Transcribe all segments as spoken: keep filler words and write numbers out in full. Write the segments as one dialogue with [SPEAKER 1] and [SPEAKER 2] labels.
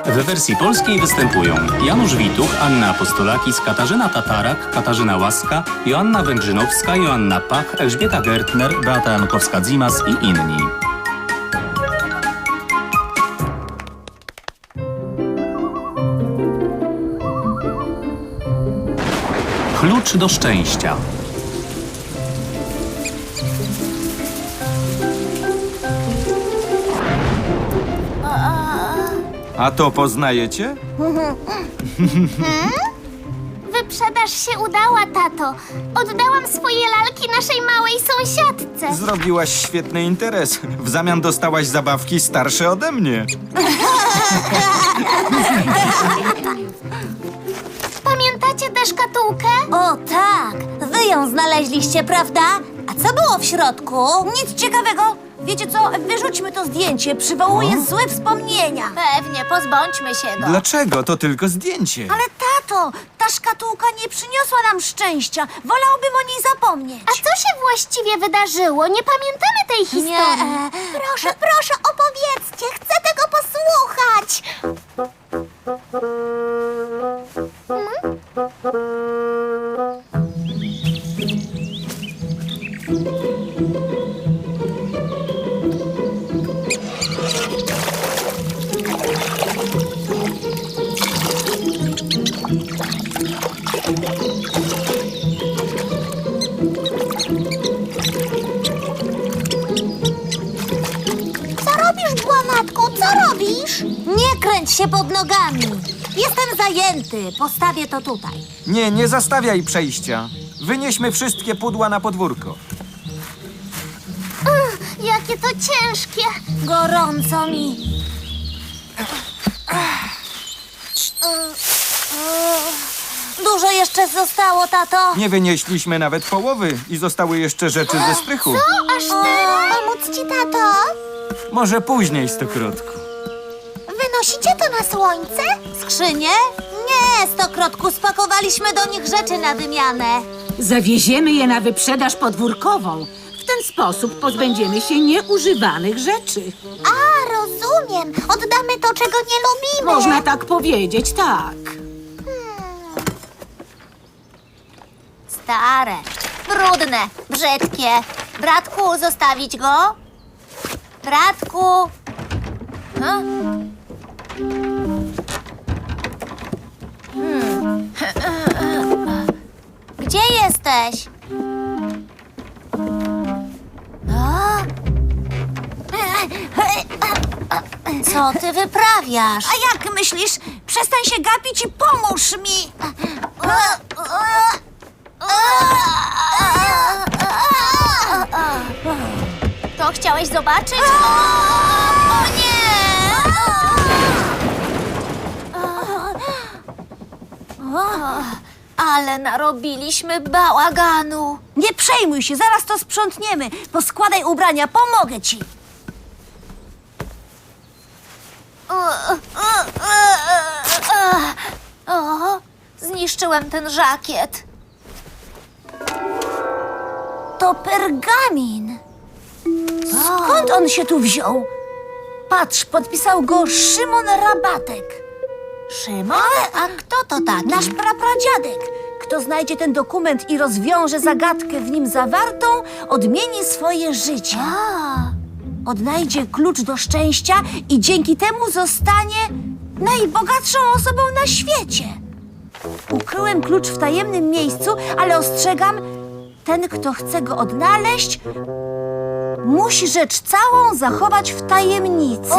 [SPEAKER 1] W wersji polskiej występują Janusz Wituch, Anna Apostolakis, Katarzyna Tatarak, Katarzyna Łaska, Joanna Węgrzynowska, Joanna Pach, Elżbieta Gertner, Beata Jankowska-Dzimas i inni. Klucz do szczęścia.
[SPEAKER 2] A to poznajecie?
[SPEAKER 3] Wyprzedaż się udała, tato. Oddałam swoje lalki naszej małej sąsiadce.
[SPEAKER 2] Zrobiłaś świetny interes. W zamian dostałaś zabawki starsze ode mnie.
[SPEAKER 3] Pamiętacie tę szkatułkę?
[SPEAKER 4] O tak, wy ją znaleźliście, prawda? A co było w środku? Nic ciekawego. Wiecie co, wyrzućmy to zdjęcie, przywołuje złe wspomnienia.
[SPEAKER 3] Pewnie, pozbądźmy się go.
[SPEAKER 2] Dlaczego? To tylko zdjęcie.
[SPEAKER 4] Ale tato, ta szkatułka nie przyniosła nam szczęścia. Wolałbym o niej zapomnieć.
[SPEAKER 3] A co się właściwie wydarzyło? Nie pamiętamy tej historii.
[SPEAKER 4] Nie. Proszę, proszę, opowiedzcie. Chcę tego posłuchać.
[SPEAKER 3] Co robisz, Błamatku? Co robisz?
[SPEAKER 4] Nie kręć się pod nogami. Jestem zajęty. Postawię to tutaj.
[SPEAKER 2] Nie, nie zastawiaj przejścia. Wynieśmy wszystkie pudła na podwórko.
[SPEAKER 3] Ugh, jakie to ciężkie.
[SPEAKER 4] Gorąco mi. Dużo jeszcze zostało, tato.
[SPEAKER 2] Nie wynieśliśmy nawet połowy i zostały jeszcze rzeczy ze strychu.
[SPEAKER 3] Aż tyle? Pomóc ci, tato?
[SPEAKER 2] Może później, stokrotku.
[SPEAKER 3] Wynosicie to na słońce?
[SPEAKER 4] Skrzynie? Nie, stokrotku, spakowaliśmy do nich rzeczy na wymianę.
[SPEAKER 5] Zawieziemy je na wyprzedaż podwórkową. W ten sposób pozbędziemy się nieużywanych rzeczy.
[SPEAKER 3] A, rozumiem. Oddamy to, czego nie lubimy.
[SPEAKER 5] Można tak powiedzieć, tak.
[SPEAKER 3] Stare, brudne, brzydkie. Bratku, zostawić go? Bratku? Hmm? Hmm. Gdzie jesteś? O? Co ty wyprawiasz?
[SPEAKER 4] A jak myślisz? Przestań się gapić i pomóż mi.
[SPEAKER 3] To chciałeś zobaczyć? O nie! Ale narobiliśmy bałaganu.
[SPEAKER 4] Nie przejmuj się, zaraz to sprzątniemy. Poskładaj ubrania, pomogę ci.
[SPEAKER 3] O, zniszczyłem ten żakiet.
[SPEAKER 4] To pergamin. Skąd on się tu wziął? Patrz, podpisał go Szymon Rabatek.
[SPEAKER 3] Szymon? A kto to taki?
[SPEAKER 4] Nasz prapradziadek. Kto znajdzie ten dokument i rozwiąże zagadkę w nim zawartą, odmieni swoje życie. Odnajdzie klucz do szczęścia i dzięki temu zostanie najbogatszą osobą na świecie. Ukryłem klucz w tajemnym miejscu, ale ostrzegam, ten, kto chce go odnaleźć, musi rzecz całą zachować w tajemnicy.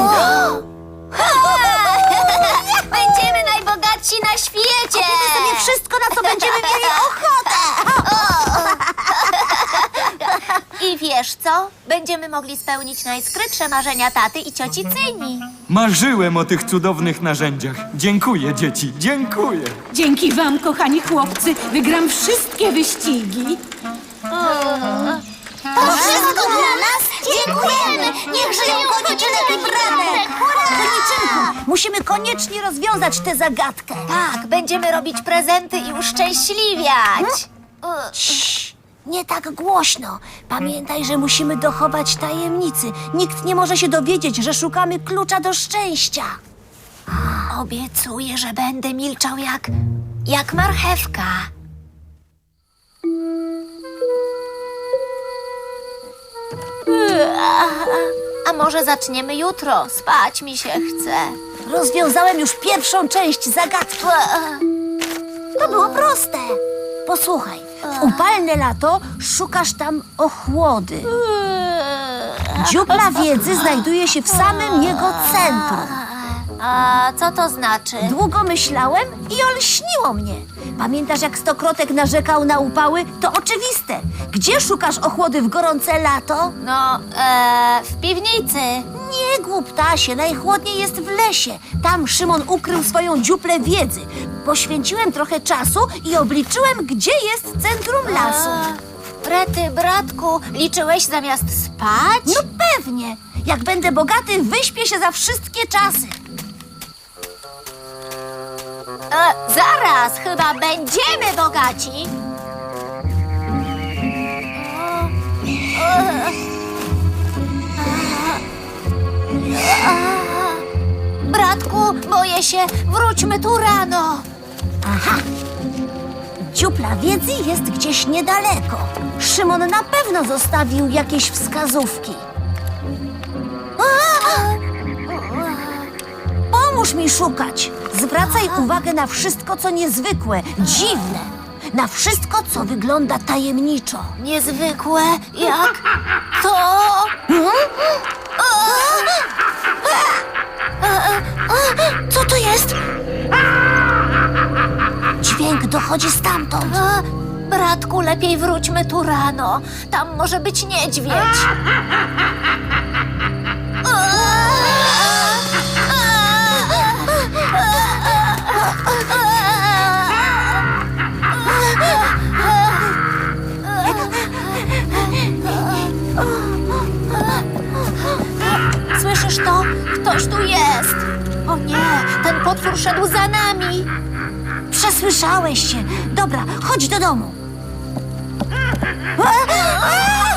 [SPEAKER 3] Będziemy najbogatsi na świecie!
[SPEAKER 4] Kupmy sobie wszystko, na co będziemy mieli ochotę.
[SPEAKER 3] I wiesz co? Będziemy mogli spełnić najskrytsze marzenia taty i cioci Cyni.
[SPEAKER 2] Marzyłem o tych cudownych narzędziach. Dziękuję, dzieci, dziękuję.
[SPEAKER 5] Dzięki wam, kochani chłopcy, wygram wszystkie wyścigi.
[SPEAKER 3] To wszystko dla nas? Dziękujemy! Niech żyją konieczynek i bratek!
[SPEAKER 4] Koniczynku, musimy koniecznie rozwiązać tę zagadkę.
[SPEAKER 3] Tak, będziemy robić prezenty i uszczęśliwiać.
[SPEAKER 4] Cii, nie tak głośno. Pamiętaj, że musimy dochować tajemnicy. Nikt nie może się dowiedzieć, że szukamy klucza do szczęścia.
[SPEAKER 3] Obiecuję, że będę milczał jak... jak marchewka. A może zaczniemy jutro? Spać mi się chce.
[SPEAKER 4] Rozwiązałem już pierwszą część zagadki. To było proste. Posłuchaj, w upalne lato szukasz tam ochłody. Dziupla wiedzy znajduje się w samym jego centrum.
[SPEAKER 3] A co to znaczy?
[SPEAKER 4] Długo myślałem i olśniło mnie. Pamiętasz, jak Stokrotek narzekał na upały? To oczywiste. Gdzie szukasz ochłody w gorące lato?
[SPEAKER 3] No, e, w piwnicy.
[SPEAKER 4] Nie, głuptasie, najchłodniej jest w lesie. Tam Szymon ukrył swoją dziuplę wiedzy. Poświęciłem trochę czasu i obliczyłem, gdzie jest centrum lasu.
[SPEAKER 3] A, Rety, bratku, liczyłeś zamiast spać?
[SPEAKER 4] No pewnie. Jak będę bogaty, wyśpię się za wszystkie czasy.
[SPEAKER 3] E, zaraz, chyba będziemy bogaci. Bratku, boję się. Wróćmy tu rano.
[SPEAKER 4] Aha. Dziupla wiedzy jest gdzieś niedaleko. Szymon na pewno zostawił jakieś wskazówki. Pomóż mi szukać. Zwracaj uwagę na wszystko, co niezwykłe, dziwne. Na wszystko, co wygląda tajemniczo.
[SPEAKER 3] Niezwykłe, jak to... Co to jest?
[SPEAKER 4] Dźwięk dochodzi stamtąd.
[SPEAKER 3] A, bratku, lepiej wróćmy tu rano. Tam może być niedźwiedź. Słyszysz to? Ktoś tu jest. O nie, ten potwór szedł za nami.
[SPEAKER 4] Przesłyszałeś się. Dobra, chodź do domu. A, a!